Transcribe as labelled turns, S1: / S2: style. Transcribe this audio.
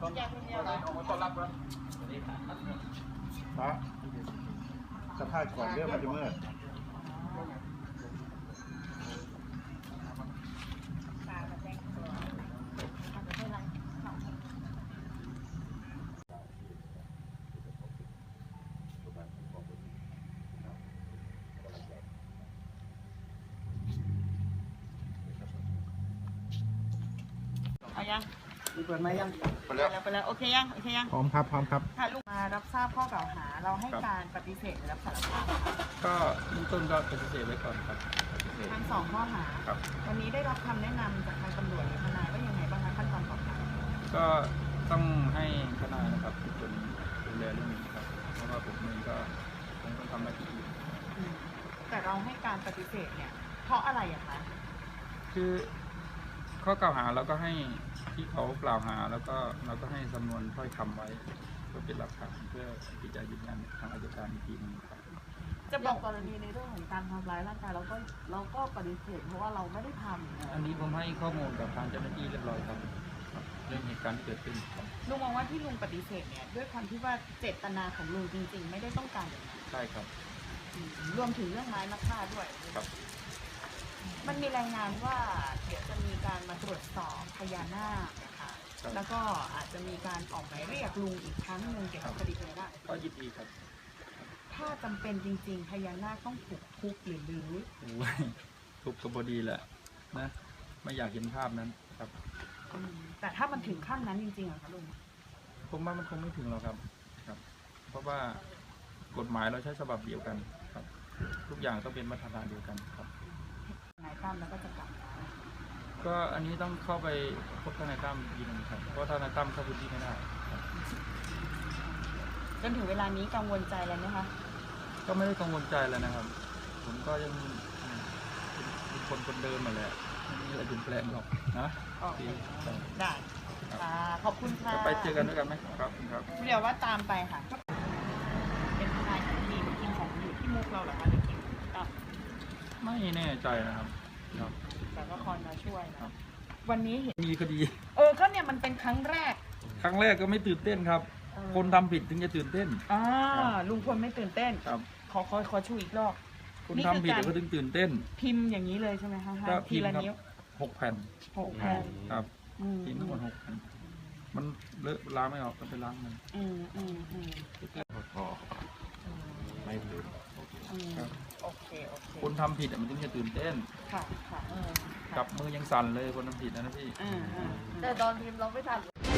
S1: ต้อนรับนะนะสภาพก่อนเรื่องมันจะมืด
S2: เอายัง
S3: เปิดไหมยัง
S1: ไปแล้ว
S2: ไปแล้วโอเคยังโอเคยัง
S1: พร้อมครับพร้อมครับ
S2: ค่ะลูกมารับทราบข้อกล่าวหาเราให้การปฏิเสธหรือรับสารภาพค่ะ
S4: ก็เบื้องต้นก็ปฏิเสธไว้ก่อนครับปฏิเสธ
S2: ทั้งสองข้อหา
S4: ครับ
S2: วันนี้ได้รับคำแนะนำจากทางตำรวจหรือทนายว่ายังไงบ้างคะขั้นตอนต่อไป
S4: ก็ต้องให้ทนายนะครับเป็นคนดูแลเรื่องนี้ครับเพราะว่าผมเองก็คงต้องทำหน้าที่อื่น
S2: แต่เราให้การปฏิเสธเนี่ยเพราะอะไรอะคะ
S4: คือข้อกล่าวหาเราก็ให้ที่เขากล่าวหาแล้วก็เราก็ให้สำนวนถ้อยคำไว้เพื่อเป็นหลักฐานเพื่อที่จะยืนยันทางอัยการอีกทีหนึงครับ
S2: จะบอกกรณีในเรื่องของการทำร้ายร่างกายเราก็ปฏิเสธเพราะว่าเราไม่ได้ทำ
S4: อันนี้ผมให้ข้อมูลกับทางเจ้าหน้าที่เรียบร้อยครับเรื่องเหตุการณ์ที่เกิดขึ้นครับ
S2: ลุงมองว่าที่ลุงปฏิเสธเนี่ยด้วยความที่ว่าเจตนาของลุงจริง ๆ ไม่ได้ต้องการอย่างนั้น
S4: ใช่ครับ
S2: รวมถึงเรื่องไม้มะค่าด้วย
S4: ครับ
S2: มันมีรายงานว่าเดี๋ยวจะมีการมาตรวจสอบพญานาคนะคะแล้วก็อาจจะมีการออกหมายเรียกลุงอีกครั้งหนึ่งเกี่ยวกับคดีพญานาค
S4: ก็ยินดีครับ
S2: ถ้าจำเป็นจริงๆพญานาคต้องถูกคุกหรือ
S4: โอ้ยถูกกบดีแหละนะไม่อยากเห็นภาพนั้นครับ
S2: แต่ถ้ามันถึงขั้นนั้นจริงๆเหรอคะลุง
S4: ผมว่ามันคงไม่ถึงหรอกครับ เพราะว่ากฎหมายเราใช้ฉบับเดียวกันครับ ทุกอย่างต้องเป็นมาตรฐานเดียวกันครับ
S2: นายตั้มแล้วก็จะกลับมา
S4: ก็อันนี้ต้องเข้าไปพบทนายตั้มอีกทีหนึงครับเพราะทนายตั้มเข้าพื้นที่ไม่ได้ครับ
S2: จนถึงเวลานี้กังวลใจอะไรไหมคะ
S4: ก็ไม่ได้กังวลใจแล้วนะครับ ผมก็ยังเป็นคนเดิมมาแหละไม่มีอะไรเปลี่ยนแปลงหรอกนะ
S2: โอเค
S4: ที่ครับ
S2: ได้ค่ะขอบคุณค่ะ
S4: จะไปเจอกันด้วยกันไหมครับครับ
S2: เดี๋ยวว่าตามไปค่ะ เป็นทนายของทีมของอยู่ที่มุกเราเหรอคะหรือทีมอ่ะ
S4: ไม่แน่ใจนะครับครับ
S2: แต่ก็คอยมาช่วยนะวันนี้เห็น
S4: มีคดี
S2: ก็เนี่ยมันเป็นครั้งแรก
S4: ครั้งแรกก็ไม่ตื่นเต้นครับ คนทำผิดถึงจะตื่นเต้น
S2: ลุงพลไม่ตื่นเต้น
S4: ครับ
S2: ขอชูอีกรอบ
S4: คนทำผิดก็ถึงตื่นเต้น
S2: พิมพ์อย่างนี้เลยใช่ไหมคะ
S4: ก็
S2: ที
S4: พิมพ์
S2: ละ
S4: ครับ
S2: นิ้ว
S4: 6 แผ่น
S2: 6 แผ่น
S4: ครับ
S2: อืม
S4: พิมพ์ทั้งหมด6 แผ่นมันเลอะล้างไม่ออกก็ไปล้างมัน
S2: อืม
S1: ไม่ลืม
S4: ครับ
S2: โอเค
S4: คนทำผิดมันถึงจะตื่นเต้น
S2: ค่ะ
S4: จับมือยังสั่นเลยคนทำผิดนะพี่
S2: แต่ตอนพิมพ์เราไม่ทัน